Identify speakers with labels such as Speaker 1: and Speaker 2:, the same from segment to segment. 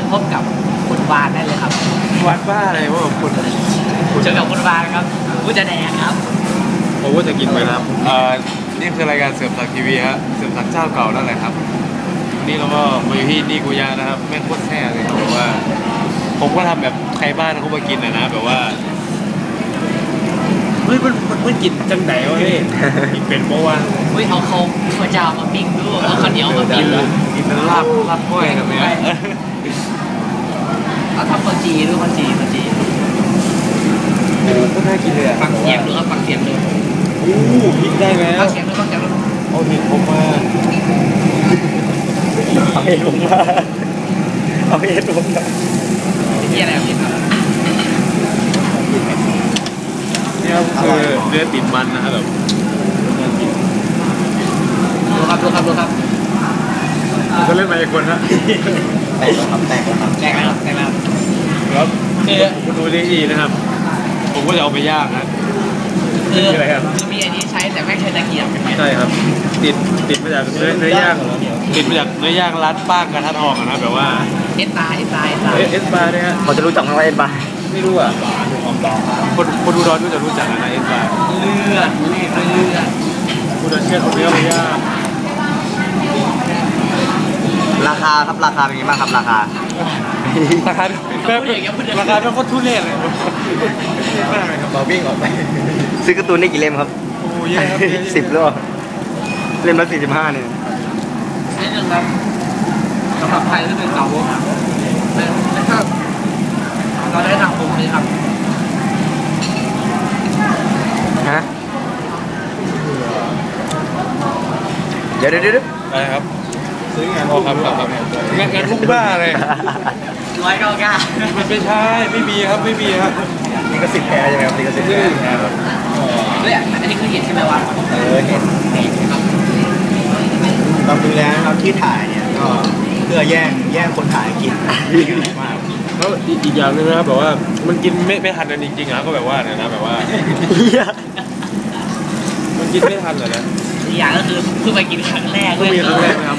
Speaker 1: พบกับคุณวานได้เลยครับ
Speaker 2: วัดบ้าอะไรวะคุณ
Speaker 1: เจอกับคุณวานครับกูจะแดงครับ
Speaker 2: ผมว่าจะกินไปครับนี่คือรายการเสิร์ฟสักทีวีฮะเสิร์ฟสักเจ้าเก่านั่นแหละครับนี่เราก็มาอยู่ที่นี่กูยานะครับแม่งโคตรแซ่เลยครับแบบว่าผมก็ทำแบบใครบ้านเขามากินนะแบบว่าเฮ้ยมันกินจังไหนวะเฮ้ยกินเป็นเพราะว่า
Speaker 1: เฮ้ยเอาเขาเจ้ามาปิ้งดูเอาข้าวเหนียวมาปิ้ง
Speaker 2: กินเป็นลาบกล้วยแบบนี้
Speaker 1: เอาทำข้าวจีดูข้าวจี
Speaker 2: ก็น่ากินเลย
Speaker 1: ฟังเสียงดูครับฟังเสียงดู
Speaker 2: พริกได้ไหม
Speaker 1: ฟังเสียงดู
Speaker 2: เอาเห็ดผมมาเอาเห็ดผมมา
Speaker 1: ที่อะไรครับ
Speaker 2: นี่ครับคือเนื้อติดมันนะครับแบบ
Speaker 1: ดูครับ
Speaker 2: ก็เล่นมาอีกคนฮะ
Speaker 1: แตกแล้ว
Speaker 2: ครับคุณดูดีๆนะครับผมก็จะเอาไปย่างนะ
Speaker 1: คือมีอันนี้ใช้แต่ไม่ใช้ตะเกียบ
Speaker 2: ใช่ครับติดมาจากเนื้อย่างติดมาจากเนื้อย่างร้านป้างกระทะทองนะแบบว่า
Speaker 1: เอสบาร์
Speaker 2: เนี่ย
Speaker 3: เขาจะรู้จักไหมว่าเอสบาร์
Speaker 2: ไม่รู้อ่ะคนดูร้อนก็จะรู้จักนะเอสบาร์
Speaker 1: เลือด
Speaker 2: คุณจะเชื่อคนเดียวไม่ยาก
Speaker 3: ราคาเป็นไงบ้างครับราคา
Speaker 2: เป็นโคตรทุเรศเลยมากเลยครับเราวิ่งออกไป
Speaker 3: ซื้อการ์ตูนได้กี่เล่มครับ
Speaker 2: โอ้ยครับ
Speaker 3: 10หรอเล่มละ45เนี่ย
Speaker 1: นี่หนึ่งครับสำหรับใครที่เป็นสาวกนะครับเราได้ทางผมเลยครับ
Speaker 3: ฮะเดี๋ยว
Speaker 2: อะไรครับซื้องานครับงานพวกบ้าเลย
Speaker 1: 199
Speaker 2: มันไม่ใช่ไม่มีครับ
Speaker 3: นี่ก็10แพรใช่ไหมครับนี่ก็10แพรครับ
Speaker 1: เฮ้ยอันนี้คือเห็นใช่ไหมวะ
Speaker 3: เห็น
Speaker 1: ครับ
Speaker 3: ความจริงแล้วนะครับที่ถ่ายเนี่ยก็เพื่อแย่งคนถ่ายกินมาก
Speaker 2: แล้วอีกอย่างนึงนะครับแบบว่ามันกินไม่ทันกันจริงๆนะก็แบบว่าเนี่ยนะแบบว่ามันกินไม่ทันเลยนะ
Speaker 1: อีกอย่างก็คือเพิ่งมากินครั้งแรกเลย
Speaker 2: นะครับ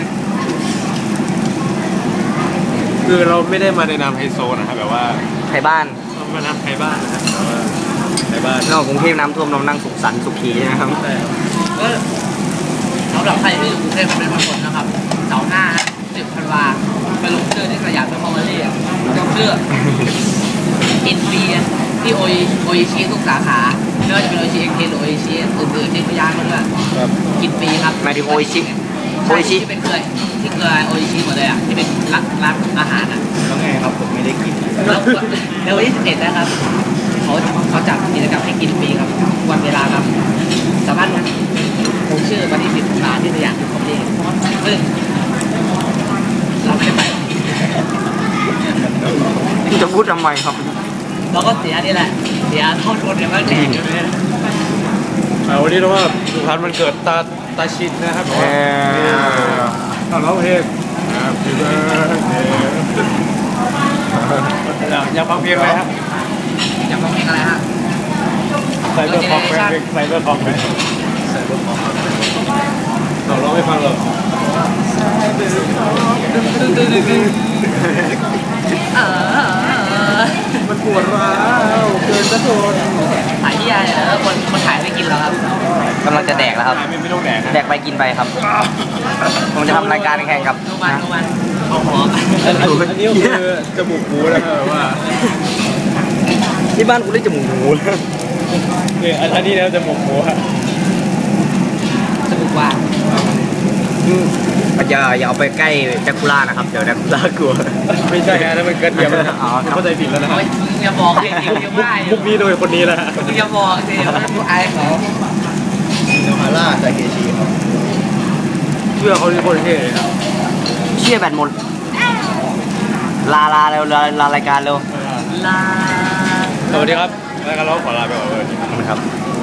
Speaker 2: คือเราไม่ได้มาในนามไฮโซนะครับแบบว่า
Speaker 3: ไทยบ้าน
Speaker 2: มานำไทยบ้านนะครับแต่ว่าไทยบ้าน
Speaker 3: นอกกรุงเทพน้ำท่วมเรานั่งสุขสันต์สุขีนะครับ
Speaker 2: ใช่ครับ
Speaker 1: ก็สำหรับใครที่อยู่กรุงเทพเป็นคนนะครับเสาร์หน้า10 ธันวาไปลงเชื่อที่สยามเป็นคอมเมดี้ลงเชื่อกินฟรีที่โออิชิทุกสาขาไม่ว่าจะเป็นโออิชิเอ็กเทนหรือโออิชิอื่นๆที่พยานมาด้วยกินฟรีครับ
Speaker 3: หมายถึงโออิชิ
Speaker 1: ที่เป็นเคยโออิชิหมดเลยอ่ะที่เป็นร้านอาหารอ่ะ
Speaker 3: แล้วไงครับผมไม่ได้กิน
Speaker 1: แล้ววันที่11นะครับเขาจัดกิจกรรมให้กินฟรีครับวันเวลาครับสามารถผมชื่อวันที่10 ธันวาที่สยามเป็นคอมเมดี้ซึ่งเราไม่ไป
Speaker 3: จะพูดทำไมครับ
Speaker 1: เราก็เสียนี่แหละเสียเท่าทุนเนี่ยมันแดงอยู่เลย
Speaker 2: วันนี้เราว่าสุพรรณมันเกิดตาชินนะครับเราร้องเพลงอยากฟังเพลงอะไรครับ
Speaker 1: อยากฟังเพลงอะไรฮะ
Speaker 2: ใส่เบอร์คอมไหมใส่เบอร์คอมไหมเราร้องไม่ฟังหรอกมันปวดร้าวเกินจะทน
Speaker 1: ถ่ายที่อะไรคนถ่ายไม่กินแล้วครับ
Speaker 3: กำลังจะแดกแล้วครับ
Speaker 2: ไม่ต้องแดก
Speaker 3: ไปกินไปครับผมจะทำรายการแข่งกับ
Speaker 1: ดูมันเอาหอม
Speaker 2: อันนี้คือจมูกหมูนะครับว่า
Speaker 3: ที่บ้านกูเรียกจมูกหมู
Speaker 2: เนี่ยอันนี้แล้วจมูกหมูฮะ
Speaker 1: จมูกวาง
Speaker 3: อย่าเอาไปใกล้แดกคูล่านะครับเดี๋ยวแดกคูล่ากลัว
Speaker 2: ไม่ใช่นะมันเกินเทียมแล้วเข้าใจผิดแล้วนะ
Speaker 1: อย่าบอกสิ
Speaker 2: มุกนี้โดยคนนี้แหละ
Speaker 1: อย่าบอกสิผู้อายเขา
Speaker 3: โนฮาร่าไซเคชีครับ
Speaker 2: เชื่อเขาที่คนเท่เลยครับ
Speaker 3: เชื่อแบตหมดลาเร็วลารายการเร็ว
Speaker 1: ลา
Speaker 2: สวัสดีครับรายการเราขอลาไปก่อนเลย
Speaker 3: ครับ